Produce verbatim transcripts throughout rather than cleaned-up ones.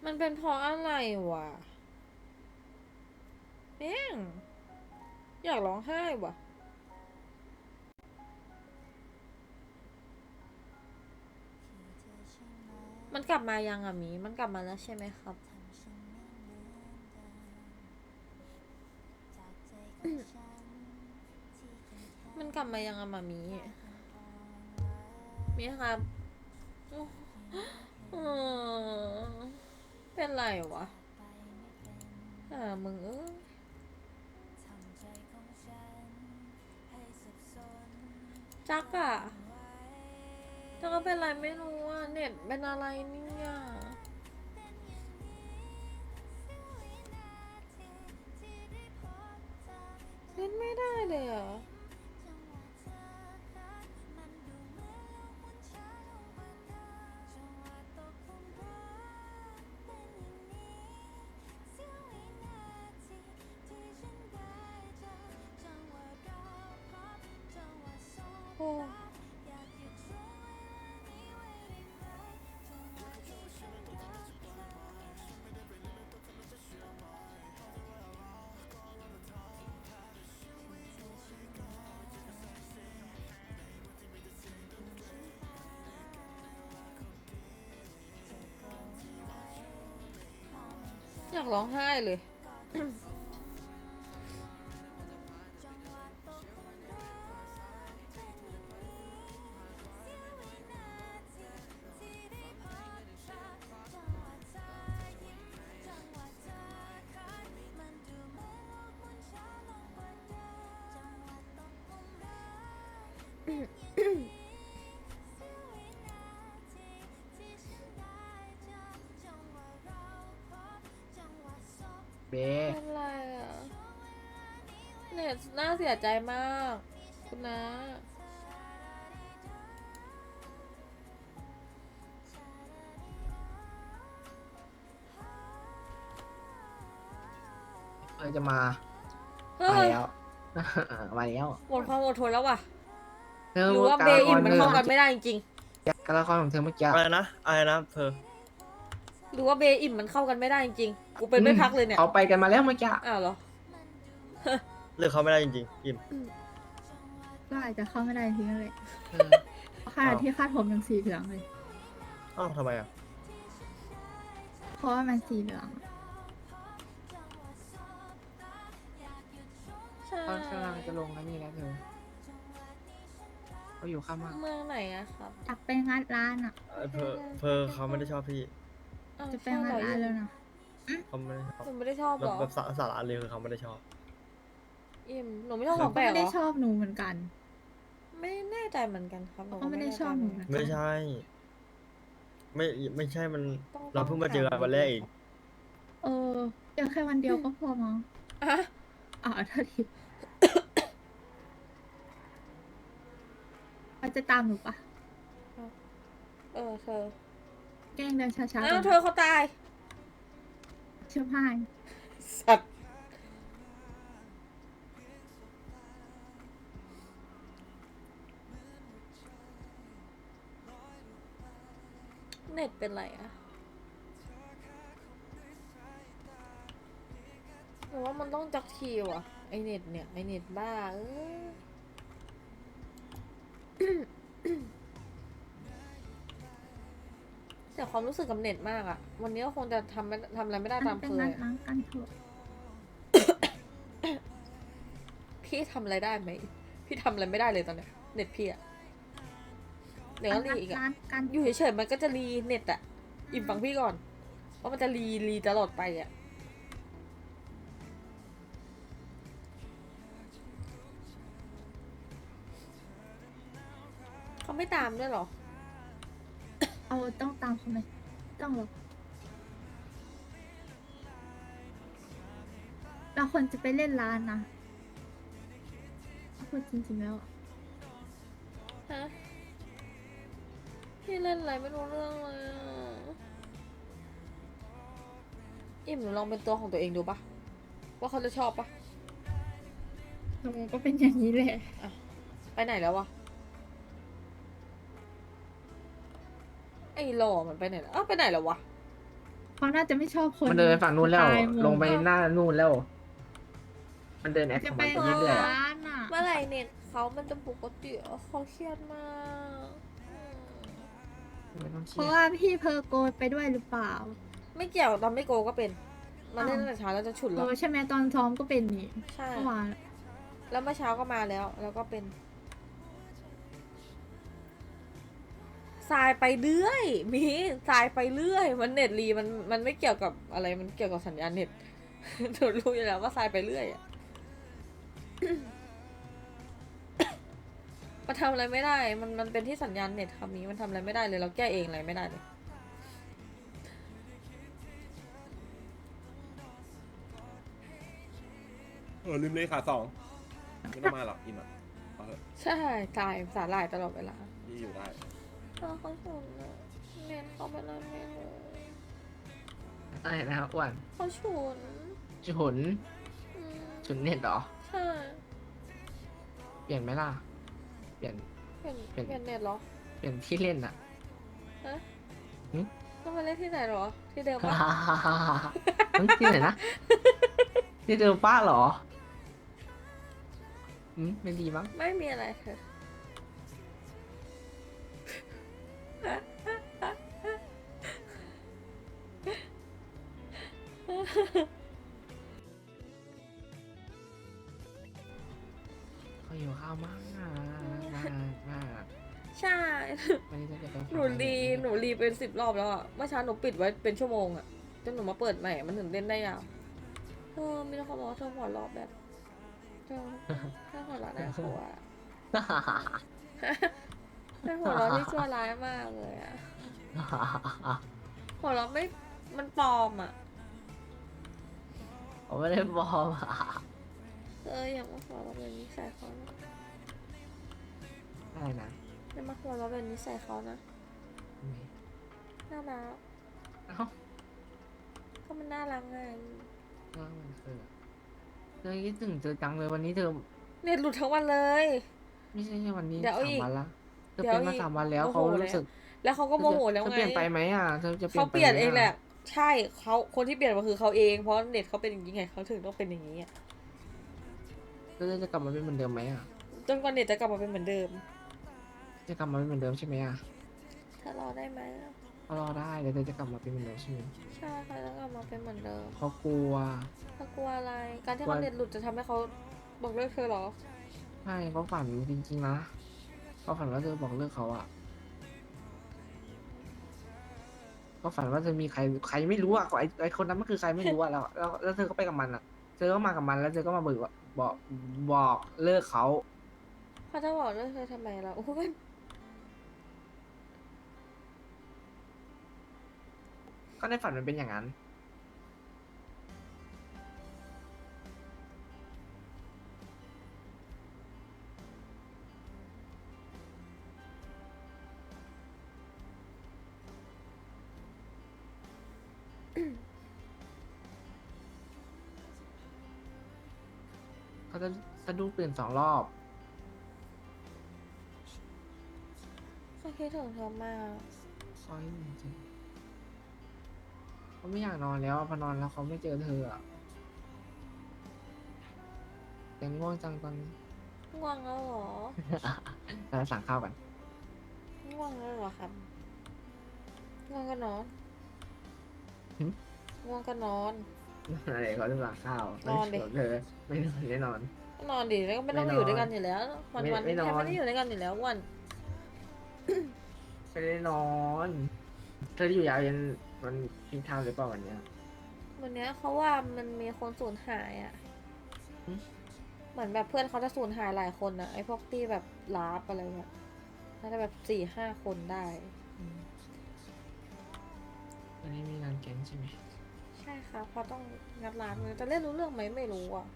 มันเป็นเพราะอะไรวะแม่งอยากร้องไห้วะมันกลับมายังอะหมีมันกลับมาแล้วใช่ไหมครับ มันกลับมายังอะมามีมีครับอเป็นไรวะอ่ามึงเอ้ยจักอะจักก็เป็นไรไม่รู้อะเน็ตเป็นอะไรเนี่ยเล่นไม่ได้เลยอะโอ้อยากร้องไห้เลยเบเป็นไรอะเน็ตน่าเสียใจมากคุณนะเออจะมาเฮ้ยมาแล้ว มาแล้วหมดความอดทนแล้วว่ะเธอหรือว่าเบการละคอิ่มรมันเธอเข้ากันไม่ได้จริงการละครของเธอเมื่อกี้อะไรนะอะไรนะเพอหรือว่าเบอิ่มมันเข้ากันไม่ได้จริงๆกูเป็นไม่พักเลยเนี่ยเขาไปกันมาแล้วเมื่อกี้อ้าวเหรอเลือกเขาไม่ได้จริงๆอิมก็อาจจะเข้าไม่ได้ทีนั่นแหละเออขนาดที่คาดผมยังสีเหลืองเลยอ้าวทำไมอ่ะเพราะว่ามันสีเหลืองใช่เขากำลังจะลงแล้วนี่แล้วเธอเขาอยู่ข้างมากเมืองไหนอะครับอยากไปงัดร้านอ่ะเออเพอเพอเขาไม่ได้ชอบพี่อ้าวจะไปใช่งัเหดรอร้านแล้วนะเขาไม่ได้ชอบหนูไม่ได้ชอบแบเหรบอแบบสาสาระเลยคือเขาไม่ได้ชอบอิ่มหนูไม่ชอบเขาของก็แปลกไม่เหรได้อชอบหนูเหมือนกันไม่แน่ใจเหมือนกันครับหนูเขาก็ไม่ได้ชอบหนูเหมือนกันไม่ใช่ ไม่ไม่ใช่มันต้องเราเพิ่งมาเจอกันวันแรกอีกเออเจอแค่วันเดียวก็พอมั้งอะอ่าเท่าทีเขาจะตามหนูปะเออเธอแกล้งเดินช้าๆอ้าวก่เธอนอเขาตายเชื่อพายสัตว์เน็ตเป็นไรอะหนูว่ามันต้องจักทีว่ะไอเน็ตเนี่ยไอเน็ตบ้าเออแต่ความรู้สึกกับเน็ตมากอะวันนี้ก็คงจะทำไม่ทำอะไรไม่ได้มัตาน มเป็นเคยงัดอะร้านกันเถอะพี่ทำอะไรได้ไหม พี่ทำอะไรไม่ได้เลยตอนเนี้ยเน็ตพี่อะเดี๋ยวก็รีงัดอีกอะร้านกันอยู่เฉยๆมันก็จะรีเน็ตอะอิ่มฟังพี่ก่อนว่ามันจะรีรีตลอดไปอะเขาไม่ตามด้วยเหรอเอาต้องตามเขาไหมต้องหรอกเราควรจะไปเล่นร้านนะพูดจริงๆแล้วอะฮะ พี่เล่นอะไรไม่รู้เรื่องเลยอะอิ่มหนูลองเป็นตัวของตัวเองดูปะว่าเขาจะชอบปะหนูก็เป็นอย่างนี้แหละไปไหนแล้ววะไอ้หล่อมันไปไหนแล้วอ้าวไปไหนแล้ววะเขาน่าจะไม่ชอบคนมันเดินไปฝั่งนู้นแล้วสตล์ลงไปหน้านู่นแล้ว มันเดินแอคขจะองไปมันไปเรื่อยๆอะร้านอ่ะเมื่อไหร่เน็ตเขามันจะปกติอะเขาเครียดมากอืมไม่ต้องเคเพรียราะดว่าพี่เพอร์โกนไปด้วยหรือเปล่าไม่เกี่ยวตอนไม่โกก็เป็นมาเล่นตั้งแต่เช้าแล้วจะฉุนเอแล้วอใช่ไหมตอนซ้อมก็เป็นนี่ใช่เมื่อวานแล้วเมื่อเช้าก็มาแล้ว แล้วก็เป็นทรายไปเรื่อย มีทรายไปเรื่อย มันเน็ตรีมันมันไม่เกี่ยวกับอะไร มันเกี่ยวกับสัญญาณเน็ต หนูรู้อยู่แล้วว่าทรายไปเรื่อยอะ มันทำอะไรไม่ได้ มันมันเป็นที่สัญญาณเน็ตคำนี้มันทำอะไรไม่ได้เลย เราแก้เองอะไรไม่ได้เลยเออลืมเลขาสองไม่ต้องมาหรอกอิมอ่ะเอาเถอะใช่ทรายสาหร่ายตลอดเวลาพี่อยู่ได้เขาเขาฉุนอะเน็ตเขาเป็นอะไรไม่รู้อะไรนะครับอ้วนเขาฉุนฉุนอืมฉุนเน็ตเหรอใช่เปลี่ยนไหมล่ะ เปลี่ยนเปลี่ยนเป็นเปลี่ยนเน็ตเหรอเปลี่ยนที่เล่นอะฮะหึต้องไปเล่นที่ไหนเหรอ ที่เดิมปะเฮ้ยที่ไหนนะ ที่เดิมป้าเหรออืมไม่ดีมั้งไม่มีอะไรเธอเขาอยู่ข้าวมากมากมากมากใช่วันนี้จะไปหนูรีหนูรีเป็นสิบรอบแล้วอะเมื่อเช้าหนูปิดไว้เป็นชั่วโมงอะจนหนูมาเปิดใหม่ มันถึงเล่นได้ยาวเออมีแต่คนบอกว่าเธอหัวเราะแบบเธอเธอหัวเราะน่ากลัวเธอหัวเราะที่ชั่วร้ายมากเลยอะหัวเราะไม่ มันปลอมอะผมไม่ได้บอมอะเอออย่ามาหัวเราะแบบนี้ใส่เขานะอะไรนะอย่ามาหัวเราะแบบนี้ใส่เขานะ น่ารักเอ้าก็มันน่ารักไงเรื่องมันคือเธอคิดถึงเธอจังเลยวันนี้เธอเน็ตหลุดทั้งวันเลยไม่ใช่แค่วันนี้เดี๋ยวสามอีกวันละเธอเดี๋ยวเป็นมาอีกสามวันแล้วโมโหเขาแล้วรู้สึกแล้วเขาก็โมโหแล้วเธอไงเปลี่ยนไปไหมอ่ะเธอจะเปลี่ยเขานไปเปลี่ยนไมเองอะแหละ ใช่เขาคนที่เปลี่ยนมาคือเขาเอง เพราะเน็ตเขาเป็นอย่างนี้ไงเขาถึงต้องเป็นอย่างนี้อะแล้วเธอจะกลับมาเป็นเหมือนเดิมไหมอ่ะจนกว่าเน็ตจะกลับมาเป็นเหมือนเดิมจะกลับมาเป็นเหมือนเดิมใช่ไหมอ่ะถ้ารอได้ไหมอะเขารอได้เดี๋ยวเธอจะกลับมาเป็นเหมือนเดิมใช่ไหมใช่เขาจะกลับมาเป็นเหมือนเดิมเขากลัวเขากลัวอะไร การที่กลัเขาวเน็ตหลุดจะทำให้เขาบอกเลิกเธอเหรอใช่เขาฝันจริงๆนะเขาฝันว่าเธอบอกเลิกเขาอ่ะเขาฝันว่าเธอมีใครใครไม่รู้อ่ะไอไอคนนั้นมันคือใครไม่รู้อ่ะแล้วแล้วแล้วเธอก็ไปกับมันอ่ะ เธอก็มากับมันแล้วเธอก็มาบอกว่าบอกบอกเลิกเขาเขาจะบอกเลิกเธอทำไมล่ะโอ้ยก็ในฝันมันเป็นอย่างนั้น เขาจะสะดุ้งตื่นสองรอบเขาคิดถึงเธอมากซอยจริงๆเขาไม่อยากนอนแล้วอะพอนอนแล้วเขาไม่เจอเธออะยังง่วงจังตอนนี้ง่วงแล้วเหรอเราสั่งข้าวกันง่วงแล้วเหรอครับง่วงก็นอนหึง่วงก็นอนอะไรเขาจะสั่งข้าวนอนดิไม่เธอไม่นอนแน่นอนก็นอนดิแล้วก็ไม่ต้องไม่นอนอยู่ด้วยกันอยู่แล้ว วันไม่วันไม่นี้นอนแค่ไม่ได้อยู่ด้วยกันอยู่แล้ววันไม่ได้นอน เธออยู่ยาวยันวันพิงทามหรือเปล่าวันเนี้ยวันเนี้ยเขาว่ามันมีคนสูญหายอ่ะหึเหมือนแบบเพื่อนเขาจะสูญหายหลายคนอะไอพวกที่แบบลาบอะไรเงี้ยน่าจะแบบสี่ห้าคนได้อืมวันนี้มีงานแก๊งใช่ไหมใช่ครับเขาต้องงัดร้านเลยจะเล่นรู้เรื่องไหมไม่รู้อ่ะ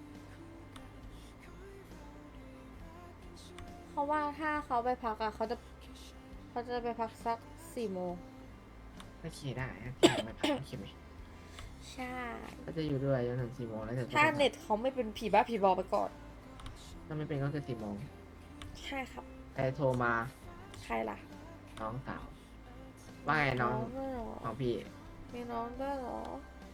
เขาว่าถ้าเขาไปพักอะเขาจะเขาจะไปพักสักสี่โมงโอเคได้โอเคไม่พักโอเคไหมใช่ก็จะอยู่ด้วยจนถึงสี่โมงแล้วเธอก็ถ้าไปพักเน็ตเขาไม่เป็นผีบ้าผีบอไปก่อนถ้าไม่เป็นก็คือสี่โมงใช่ครับใครโทรมาใครล่ะน้องสาว ว่าไงน้องเพื่อนเหรอของพี่มีน้องด้วยเหรอ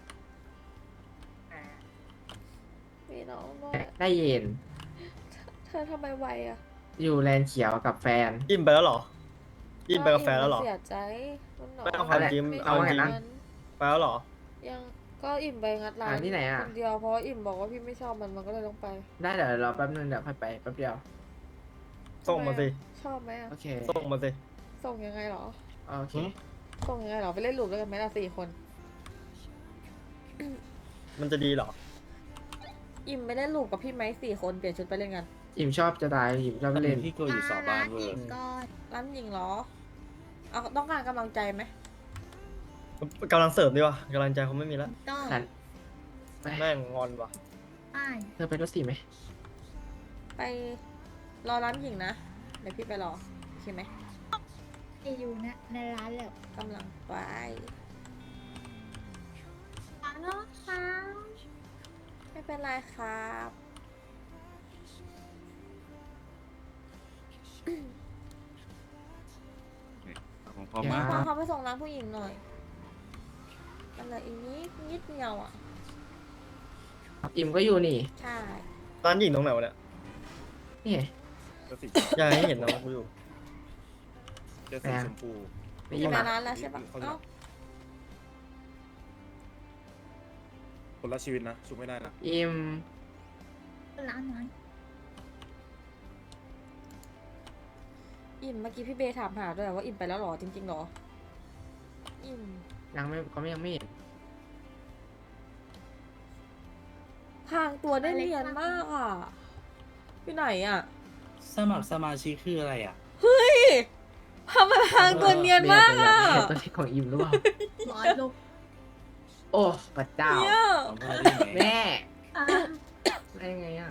มีน้องด้วยได้เย็นเธอทำไมไวอะอยู่แลนด์เขียวกับแฟนอิ่มไปแล้วเหรอ อิ่มไปกาแฟแล้วเหรอเสียใจมันหนอไม่เอาความจริงไม่เอาจริงงินไปแล้วเหรอยังก็อิ่มไปงัดร้านอ่าที่ไหนอะคนเดียวเพราะว่าอิ่มบอกว่าพี่ไม่ชอบมันมันก็เลยต้องไปได้เดี๋ยวรอแป๊บนึงเดี๋ยวค่อยไปแป๊บเดียวส่งมาสิชอบไหมอะโอเคส่งมาสิส่งยังไงเหรอโอเคหืมส่งยังไงเหรอไปเล่นหลุมด้วยกันไหมล่ะสี่คนมันจะดีเหรออิ่มไปเล่นหลุมกับพี่ไหมสี่คนเปลี่ยนชุดไปเล่นกันอิ่มชอบจะตายอิ่มชอบไปเล่นพี่ก็อยู่สาบานเวออีร์กก่อนร้านหญิงเหรอเอาต้องการกำลังใจไหมกำลังเสริมดีวะกำลังใจเขาไม่มีแล้วต้องฉันไปแม่งงอนว่ะไอ้ายเธอไปรถสี่ไหมไปรอร้านหญิงนะเดี๋ยวพี่ไปรอโอเคไหมไปอยู่นะในร้านแล้วกำลังไปฮัลโหลค่ะไม่เป็นไรครับของพ่อพี่มาพาเขาไปส่งร้านผู้หญิงหน่อยอะไรอีกนิดนิดเดียวอ่ะอิ่มก็อยู่นี่ใช่ร้านหญิงตรงไหนวะเนี่ยนี่ไงเจะสีอยากให้เห็นนะว่ากูอยู่เจะสีชมพูไม่มีอิ่มมาอ่ะร้านแล้วใช่ปะเขาจะเอ้าคนละชีวิตนะชุบไม่ได้นะอิ่มร้านนั้นอิ่มเมื่อกี้พี่เบย์ถามหาด้วยว่าอิ่มไปแล้วเหรอจริงๆเหรออิ่มยังไม่เขาไม่ยังไม่เห็นพรางตัวได้เนียนมากอ่ะอยู่ไหนอ่ะสมัครสมาชิกคืออะไรอ่ะเฮ้ยทำไมพรางตัวเนียนมากอ่ะเห็นตัวที่ของอิ่มหรือเปล่าร้อยลูกโอ้พระเจ้าเนี่ยเอามาได้ไหมแม่อ่ะได้ยังไงอ่ะ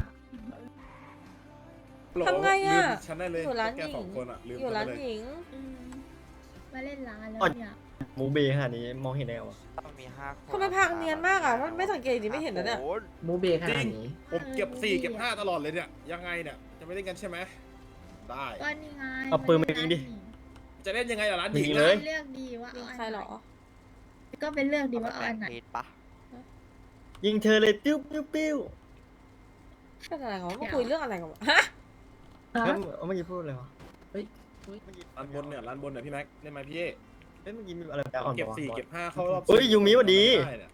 ทำไงอ่ะลืมฉันได้เลยอยู่ร้านแกหญิสอง งคนอ่ะลืมอยู่ฉันร้าได้นเลยหญิงอืมมาเล่นร้านแล้วอ๋อเนี่ยมูเบขนาดนี้มองเห็นได้ไงวะต้องมีห้าคนทำไมพรางเนียนมากอ่ะถ้าไม่สังเกตดีไม่เห็นนะเนี่ยโอ้โหมูเบขนาดนี้ผมเก็บสี่เก็บห้าตลอดเลยเนี่ยยังไงเนี่ยจะไม่เล่นกันใช่ไหมได้ก็นี่ไงเอาปืนมายิงดิจะเล่นยังไงล่ะร้านหญิงยิงนะเลยเลือกดีว่ายิเอางอันใครเหรอก็เป็นเลือกดีเอาว่ามาเอาแบ่อังนไหนเพจปะยิงเธอเลยปิ้วปิ้วปิ้วเป็นอะไรกันวะมาคุยเรื่องอะไรกันวะฮะเฮ้ยเมื่อกี้พูดอะไรวะเฮ้ยเมื่อกี้ร้านบนเนี่ยร้านบนเนี่ยพี่แม็กเล่นไหมพี่เฮ้ยเมื่อกี้มีอะไรแปลกอ่อนเก็บปะวะสี่เก็บห้าเข้ารอบเฮ้ยยูมิหวัดดีไเนี่ย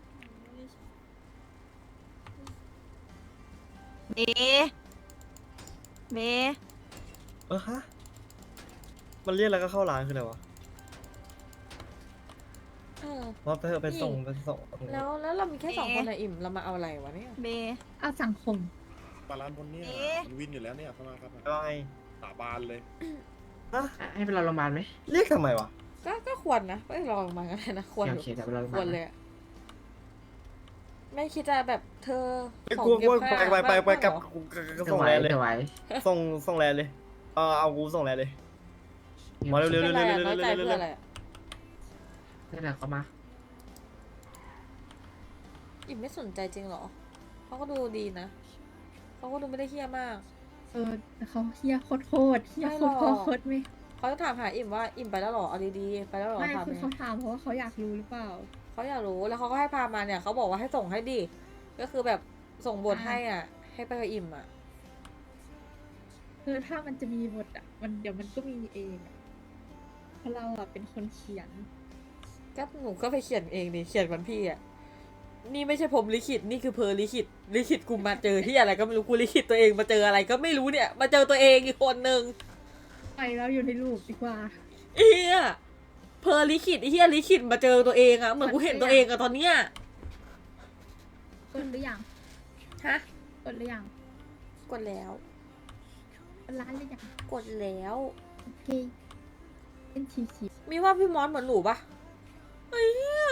เมเมเออฮะมันเรียกแล้วก็เข้าร้านคืออะไรวะเออว่าไปเถอะไปส่งไปส่งแล้วแล้วเรามีแค่สองคนนะอิ่มเรามาเอาอะไรวะเนี่ยเมเอาสังคมปลาร้านบนเนี่ยเอ๊ะมันวินอยู่แล้วเนี่ยเข้ามาครับว่าไงสาบานเลยฮะให้ไปรอโรงพยาบาลไหมเรียกทำไมวะก็ก็ควรนะไม่ลองมากันนะควรโอเคเดี๋ยวไปรอโรงพคยาว บาร ลเลยอะไม่คิดจะแบบเธอไอ้ของกูเก็บกูผ้าไปไปไปไปบ้างกับเหรอกูกับเธอส่งไหวแลนเลยเธอไหวส่งส่งแลนเลยเออเอากูส่งแลนเลย มาเร็วเป็นไรอะเร็วๆๆๆๆๆน้อยใจเพื่ออะไรอะนี่นแหละเขามาอิ่มไม่สนใจจริงเหรอเขาก็ดูดีนะเขาก็ดูไม่ได้เฮี้ยมากเออแต่เขาเฮียโคตรโคตรเฮียไม่โคหรตอกรโคตรไม่เขาจะถามหาอิ่มว่าอิ่มไปแล้วเหรอเอาดีๆไปแล้วเหรอไม่ถามคือเนี่ยเขาถามเพราะว่าเขาอยากรู้หรือเปล่าเขาอยากรู้แล้วเขาก็ให้พามาเนี่ยเขาบอกว่าให้ส่งให้ดิก็คือแบบส่งบทอ่าให้อ่ะ ให้ไปกับอิ่มอ่ะคือถ้ามันจะมีบทอ่ะ มันเดี๋ยวมันก็มีเองอะเพราะเราอ่ะเป็นคนเขียนก็หนูก็ไปเขียนเองดิเขียนวันพี่อ่ะนี่ไม่ใช่ผมลิขิตนี่คือเพอลิขิตลิขิตกูมาเจอที่อะไรก็ไม่รู้กูลิขิตตัวเองมาเจออะไรก็ไม่รู้เนี่ย มาเจอตัวเองอีกคนนึงไปแล้วอยู่ในรูปดีกว่าเฮียเพอลิขิตไอ้เฮียลิขิตมาเจอตัวเองอะเหมือนกูเห็นตัวเองอะตอนเนี้ยกดหรือยังฮะกดหรือยังกดแล้วกดร้านหรือยังกดแล้วโอเคเป็นชีชีมีว่าพี่มอสเหมือนหนูปะไอ้เหี้ย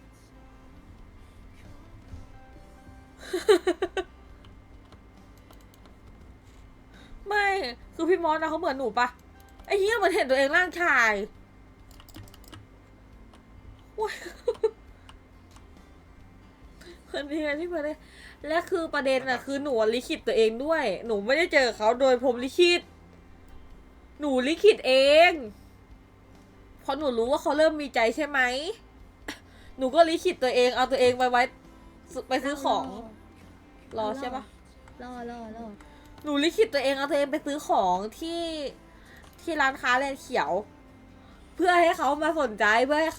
ไม่คือพี่มอสนะเขาเหมือนหนูปะไอ้เหี้ยเหมือนเห็นตัวเองร่างชายว้ายคนนี้ไงที่มาได้และคือประเด็นอะคือหนูลิขิตตัวเองด้วย หนูไม่ได้เจอเขาโดยผมลิขิตหนูลิขิตเองเพราะหนูรู้ว่าเขาเริ่มมีใจใช่ไหมหนูก็ลิขิตตัวเองเอาตัวเองไปไว้ไปซื้อของรอใช่ปะรอรอรอหนูลิขิตตัวเองเอาตัวเองไปซื้อของที่ที่ร้านค้าแลนด์เขียว เพื่อให้เขามาสนใจเพื่อให้